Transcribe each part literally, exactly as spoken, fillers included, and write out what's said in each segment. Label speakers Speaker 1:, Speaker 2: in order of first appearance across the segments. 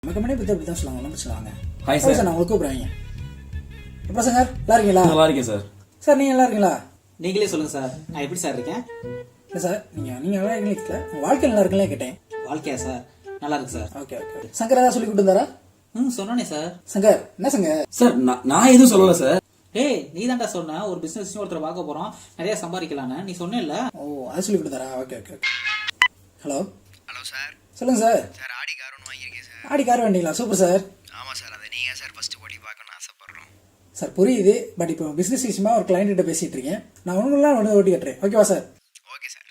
Speaker 1: நம்ம கம்பெனி பற்றி அப்படி தான் சொல்லுவாங்க. நம்ம சொல்லுவாங்க
Speaker 2: ஹாய் சார்.
Speaker 1: சார் நான் உங்களுக்கு கூப்பிட்றேன். எப்போ சார் நல்லா இருக்கீங்களா?
Speaker 2: நல்லா இருக்கேன் சார்.
Speaker 1: சார் நீங்கள் நல்லா இருக்கீங்களா?
Speaker 3: நீங்களே சொல்லுங்க சார், நான் எப்படி சார் இருக்கேன்?
Speaker 1: இல்லை சார் நீங்கள் நீங்கள் நல்லா இருக்கீங்களா? உங்கள் வாழ்க்கை நல்லா இருக்குங்களே கேட்டேன்.
Speaker 3: வாழ்க்கையா சார்? நல்லா இருக்கு சார்.
Speaker 1: Okay okay. சங்கர் ஏதாவது சொல்லி கொடுத்தாரா?
Speaker 3: ம் சொன்னே சார்.
Speaker 1: சங்கர் என்ன சங்கர்?
Speaker 2: சார் நான் நான் எதுவும் சொல்லல சார்.
Speaker 3: ஏய் நீ தான்டா சொன்ன ஒரு பிசினஸ் ஒருத்தர் பார்க்க போறோம், நிறைய சம்பாதிக்கலான்னு நீ சொன்னேல்ல.
Speaker 1: ஓ அதை சொல்லி கொடுத்தாரா? Okay okay okay. Hello
Speaker 4: hello sir.
Speaker 1: சொல்லுங்கள் சார்.
Speaker 4: சார் ஆடி கார் ஒன்று வாங்கியிருக்கேன் சார்.
Speaker 1: ஆடி கார் வேண்டிங்களா? Super sir.
Speaker 4: ஆமாம் சார், அதை நீங்கள் சார் ஃபஸ்ட்டு ஓட்டி பார்க்கணும்னு ஆசைப்பட்றோம்.
Speaker 1: சார் புரியுது, பட் இப்போ பிஸ்னஸ் விஷயமா ஒரு கிளைண்ட் கிட்ட பேசிட்டு இருக்கேன். நான் ஒன்றுலாம் ஒன்று ஓட்டி கட்டுறேன். ஓகேவா சார்?
Speaker 4: Okay sir.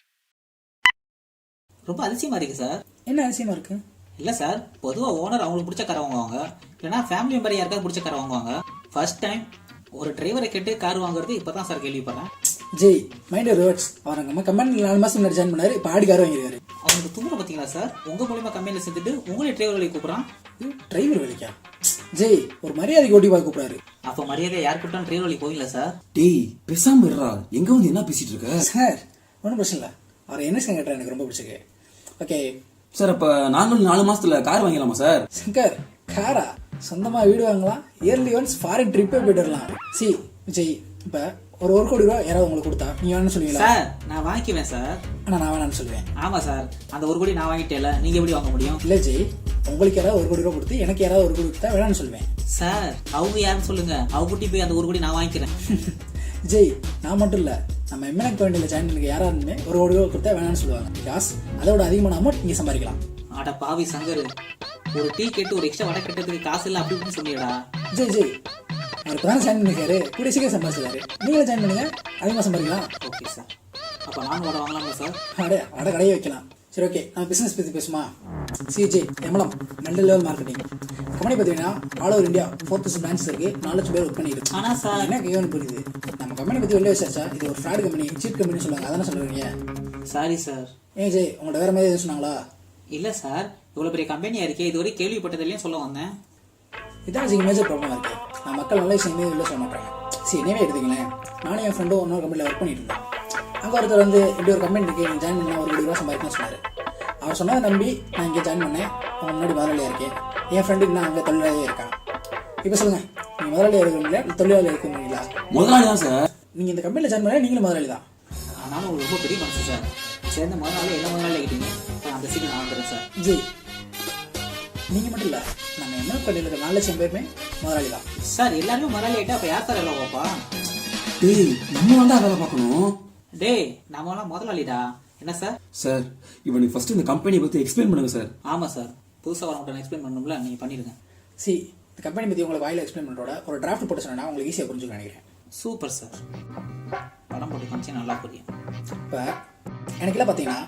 Speaker 3: ரொம்ப அதிசயமா இருக்கு சார்.
Speaker 1: என்ன அதிசயமா இருக்கு?
Speaker 3: இல்லை சார், பொதுவாக ஓனர் அவங்களுக்கு பிடிச்ச காரை வாங்குவாங்க, இல்லைனா ஃபேமிலி மெம்பர் யாருக்காவது பிடிச்ச காரை வாங்குவாங்க. ஃபர்ஸ்ட் டைம் ஒரு டிரைவரை கேட்டு கார் வாங்குறது இப்போ தான் சார் கேள்விப்படுறேன்.
Speaker 1: Jai mind reverts. அவர் நம்ம கம்பெனியில் நாலு மாதம் முன்னாடி ஜாயின் பண்ணாரு. இப்போ ஆடி கார் வாங்கியிருக்காரு.
Speaker 3: அவங்களுக்கு தூங்குற பார்த்தீங்களா சார்? உங்கள் மூலியமாக கம்பெனியில் சேர்த்துட்டு உங்களே டிரைவர் வேலைக்கு கூப்பிட்றான்.
Speaker 1: டிரைவர் வேலைக்கா? ஜெய் ஒரு மரியாதைக்கு ஓட்டி பார்க்க கூப்பிடாரு.
Speaker 3: அப்போ மரியாதை யார் கூப்பிட்டாலும் டிரைவர் வேலைக்கு போவீங்களா சார்?
Speaker 2: டேய் பேசாம இருடா. எங்க வந்து என்ன பேசிட்டு இருக்க?
Speaker 1: சார் ஒன்றும் பிரச்சனை இல்லை. அவர் என்ன கேட்டார் எனக்கு ரொம்ப பிடிச்சிருக்கு. ஓகே
Speaker 2: சார் அப்ப நாங்களும் நாலு மாசத்துல கார் வாங்கிடலாமா சார்?
Speaker 1: சங்கர் காரா? சொந்தமாக வீடு வாங்கலாம், இயர்லி ஒன்ஸ் ஃபாரின் ட்ரிப்பே போயிட்டு வரலாம். சி விஜய், இப்போ ஒரு ஒரு கோடி ரூபா யாராவது உங்களுக்கு கொடுத்தா நீங்கள் வேணும்னு சொல்லுவீங்களா?
Speaker 3: சார் நான் வாங்கிக்குவேன் சார்.
Speaker 1: ஆனால் நான் வேணான்னு சொல்லுவேன்.
Speaker 3: ஆமாம் சார், அந்த ஒரு கோடி நான் வாங்கிட்டேல, நீங்கள் எப்படி வாங்க முடியும்?
Speaker 1: இல்லை ஜெய், உங்களுக்கு யாராவது ஒரு கோடி ரூபா கொடுத்து எனக்கு யாராவது ஒரு கோடி கொடுத்தா வேணான்னு சொல்லுவேன்.
Speaker 3: சார் அவங்க யாருன்னு சொல்லுங்க, அவங்க கூட்டி போய் அந்த ஒரு கோடி நான் வாங்கிக்கிறேன்.
Speaker 1: ஜெய் நான் மட்டும் இல்லை, நம்ம எம்என்எக் பாயிண்டில் ஜாயின் பண்ணி யாராருமே ஒரு கோடி ரூபா கொடுத்தா வேணான்னு சொல்லுவாங்க. பிகாஸ் அதோட அதிகமான அமௌண்ட் நீங்கள் சம்பாதிக்கலாம்.
Speaker 3: அட பாவி சங்கர், ஒரு டீ கேட்டு ஒரு எக்ஸ்ட்ரா வடை கட்டுறதுக்கு காசு இல்லை அப்படி இப்படின்னு சொல்லிடா.
Speaker 1: ஜெய் ஜெய் அவர் இப்போ தான் ஜாயின் பண்ணிக்காரு, கூட சீக்கிரம் சம்பாதிச்சாரு. நீங்களும் ஜாயின் பண்ணுங்க, அதிகமாக சம்பாதிக்கலாம்.
Speaker 3: ஓகே சார், அப்போ நானும் வடை வாங்கலாமா சார்?
Speaker 1: அடே அட கடையை வைக்கலாம். சரி ஓகே, நம்ம பிஸ்னஸ் பற்றி பேசுமா? CJ MLM multi level marketing company பார்த்தீங்கன்னா all over India four thousand branch இருக்கு, நாலு லட்சம் பேர் ஒர்க் பண்ணிருக்கு.
Speaker 3: ஆனால் சார்
Speaker 1: என்ன கேவன் புரியுது, நம்ம கம்பெனி பற்றி வெளியே விசாரிச்சா இது ஒரு ஃப்ராட் கம்பெனி, சீட் கம்பெனி சொல்லுவாங்க. அதானே சொல்லுவீங்க?
Speaker 3: Sorry sir.
Speaker 1: ஏன் ஜெய் உங்கள்ட்ட வேற மாதிரி எதுவும் சொன்னாங்களா?
Speaker 3: இல்லை சார், இவ்வளோ பெரிய கம்பெனியாக இருக்கே, இதுவரை கேள்விப்பட்டதில்லையும் சொல்ல வந்தேன்.
Speaker 1: இதான் ஜி மேஜர் ப்ராப்ளம் இருக்கு. நான் மக்கள் நல்ல விஷயமே இல்லை சொல்ல மாட்டாங்க. சரி என்னவே எடுத்துங்களேன், நானும் என் ஃப்ரெண்டும் இன்னொரு கம்பெனியில் ஒர்க் பண்ணிட்டு இருந்தேன். அங்கே ஒருத்தர் வந்து இப்படி ஒரு கம்பெனி இருக்கு, நீங்கள் ஜாயின் பண்ணால் ஒரு கோடி ரூபா சம்பாதிக்கணும்னு சொன்னார். அவர் சொன்னதை நம்பி நான் இங்கே ஜாயின் பண்ணேன். அவன் முன்னாடி முதலாளியாக இருக்கேன். என் ஃப்ரெண்டுக்கு நான் அங்கே தொழிலாளியாக இருக்கான். இப்போ சொல்லுங்கள், நீங்கள் முதலாளியாக இருக்கிறீங்களா இல்லை தொழிலாளியாக இருக்கிறீங்களா?
Speaker 2: முதலாளி தான் சார்.
Speaker 1: நீங்கள் இந்த கம்பெனியில் ஜாயின் பண்ணால் நீங்களும் முதலாளி தான்.
Speaker 3: ஆனாலும் ஒரு ரொம்ப பெரிய மனசு சார். சேர்ந்த முதலாளி எல்லா முதலாளி ஆகிட்டீங்க. அந்த சீட்டு நான் வந்துடுறேன் சார்.
Speaker 1: ஜி நீங்கள் மட்டும் இல்லை, நம்ம என்ன கடையில் இருக்கிற நாலு லட்சம் பேருமே முதலாளி தான்
Speaker 3: சார். எல்லாருமே முதலாளி ஆகிட்டா அப்போ யார் சார் எல்லாம் பார்ப்பா?
Speaker 2: டேய் நம்ம தான் வேலை பார்க்கணும்.
Speaker 3: டேய் நம்மளாம் முதலாளிடா. என்ன சார்?
Speaker 2: சார் இவனுக்கு ஃபர்ஸ்ட் இந்த கம்பெனியை பத்தி எக்ஸ்பிளைன் பண்ணுங்க சார்.
Speaker 3: ஆமாம் சார், புதுசாக வரவங்கள்ட்ட எக்ஸ்பிளைன் பண்ணணும்ல, நீங்கள் பண்ணிடுங்க.
Speaker 1: சி இந்த கம்பெனி பற்றி உங்களுக்கு வாயில் எக்ஸ்பிளைன் பண்ணுறோட ஒரு டிராஃப்ட் போட்டு சொன்னா உங்களுக்கு ஈஸியாக புரிஞ்சுக்க நினைக்கிறேன்.
Speaker 3: சூப்பர் சார், படம் போட்டு காமிச்சு நல்லா புரியும்.
Speaker 1: இப்போ எனக்குலாம் பார்த்தீங்கன்னா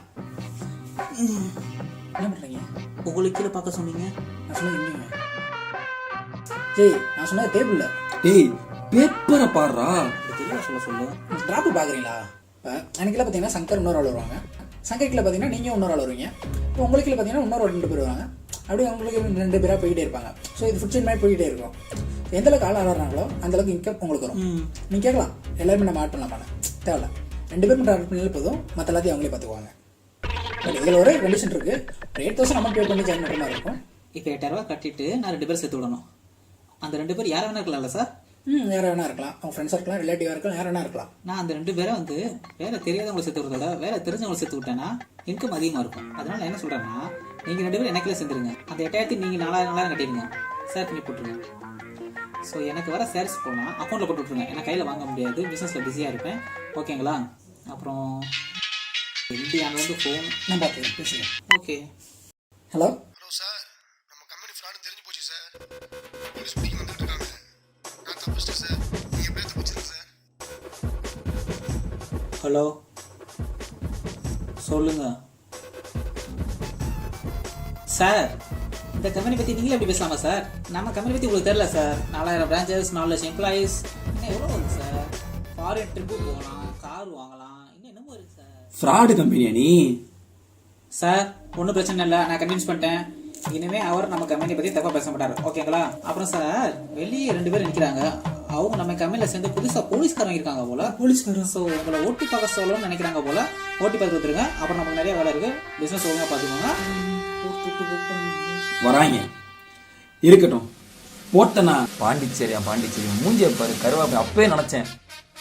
Speaker 1: என்ன பண்ணுறீங்க?
Speaker 3: உங்களுக்கு கீழே பார்க்க சொன்னீங்க,
Speaker 1: நான் சொன்னது இல்லைங்க ஜெய், நான் சொன்னது டேபிளில்.
Speaker 2: டேய் பேப்பரை பாடுறா.
Speaker 3: தெளிவாக சொல்ல சொல்லு.
Speaker 1: டிராஃப்ட் பார்க்குறீங்களா? இப்போ எனக்குலாம் பார்த்தீங்கன்னா சங்கர் இன்னொரு ஆள் வருவாங்க, சங்கர்கில் பார்த்தீங்கன்னா நீங்கள் இன்னொரு ஆள் வருவீங்க, இப்போ உங்களுக்கு பார்த்தீங்கன்னா இன்னொரு ரெண்டு பேர் வருவாங்க. அப்படியே உங்களுக்கு ரெண்டு பேராக போயிட்டே இருப்பாங்க. ஸோ இது ஃபுட் செயின் மாதிரி போயிட்டே இருக்கும். எந்த அளவுக்கு ஆள் ஆடுறாங்களோ அந்தளவுக்கு இன்கம் உங்களுக்கு வரும். நீங்கள் கேட்கலாம் எல்லாருமே நம்ம ஆட் பண்ணலாமான்னு, தேவையில்ல. ரெண்டு பேரும் மட்டும் ஆட் பண்ணாலே போதும், மற்ற எல்லாத்தையும் அவங்களே பார்த்துக்குவாங்க. பட் இதில் ஒரு கண்டிஷன் இருக்குது, ஒரு எயிட் தௌசண்ட் அமௌண்ட் பே பண்ணி ஜாயின் பண்ணுற மாதிரி இருக்கும்.
Speaker 3: இப்போ எட்டாயிரம் ரூபா கட்டிட்டு நான் ரெண்டு பேர் சேர்த்து விடணும். அந்த ரெண்டு பேர் யார் வேணா இருக்கலாம்ல சார்?
Speaker 1: ம் யார் வேணா இருக்கலாம், அவங்க ஃப்ரெண்ட்ஸாக இருக்கலாம், ரிலேட்டிவாக இருக்கலாம், யார் வேணா இருக்கலாம்.
Speaker 3: நான் அந்த ரெண்டு பேரை வந்து வேலை தெரியாதவங்களை சேர்த்து விடுறதோட வேலை தெரிஞ்சவங்களை சேர்த்து விட்டேன்னா இன்கம் அதிகமாக இருக்கும். அதனால நான் என்ன சொல்கிறேன்னா, நீங்கள் ரெண்டு பேரும் எனக்குள்ளே சேர்ந்துருங்க. அந்த எட்டாயிரத்தி நீங்கள் நாலாயிரம் நாலாயிரம் கட்டிடுங்க, சேர் பண்ணி போட்டுருங்க. ஸோ எனக்கு வர சேல்ஸ் போனால் அக்கௌண்ட்டில் போட்டு விட்ருங்க. எனக்கு கையில் வாங்க முடியாது, பிஸ்னஸில் பிஸியாக இருப்பேன். ஓகேங்களா? அப்புறம் இந்தியாவில் வந்து ஃபோன்
Speaker 1: நான் பார்த்துக்கிறேன், பேசுகிறேன்.
Speaker 3: ஓகே.
Speaker 1: ஹலோ
Speaker 4: ஹலோ சார், நம்ம கம்பெனி ஃப்ராடு தெரிஞ்சு போச்சு சார். போலீஸ் பிடிக்க வந்துட்டு இருக்காங்க. நான் தப்பிச்சிட்டேன் சார். நீங்கள் எப்படியா தப்பிச்சிருங்க சார்.
Speaker 3: ஹலோ சொல்லுங்க சார். இந்த கம்பெனி பற்றி நீங்களே எப்படி பேசலாமா சார்? நம்ம கம்பெனி பற்றி உங்களுக்கு தெரியல சார். நாலாயிரம் பிரான்ச்சஸ், நாலு லட்சம் எம்ப்ளாயீஸ், இன்னும் எவ்வளோ வருது சார்? ஃபாரின் ட்ரிப்பு போகலாம், கார் வாங்கலாம், இன்னும் என்னமோ இருக்குது சார்.
Speaker 2: ஃப்ராடு கம்பெனியா நீ?
Speaker 3: சார் ஒன்றும் பிரச்சனை இல்லை, நான் கன்வின்ஸ் பண்ணிட்டேன். இனிமேல் அவர் நம்ம கம்பெனி பற்றி தப்பாக பேச மாட்டார். ஓகேங்களா? அப்புறம் சார் வெளியே ரெண்டு பேர் நிற்கிறாங்க, அவங்க நம்ம கம்பெனியில் சேர்ந்து புதுசாக போலீஸ்காரங்க இருக்காங்க போல.
Speaker 1: போலீஸ்காரன்?
Speaker 3: ஸோ உங்களை ஓட்டி பார்க்க சொல்லணும்னு நினைக்கிறாங்க போல. ஓட்டி பார்த்து வந்துருங்க. அப்புறம் நமக்கு நிறைய வேலை இருக்குது, பிஸ்னஸ் ஒழுங்காக பார்த்துக்கோங்க.
Speaker 2: வராங்க இருக்கட்டும் போட்டனா
Speaker 5: பாண்டிச்சேரியா பாண்டிச்சேரி மூஞ்சியை பாரு கருவாப்பை அப்பவே நினைச்சேன்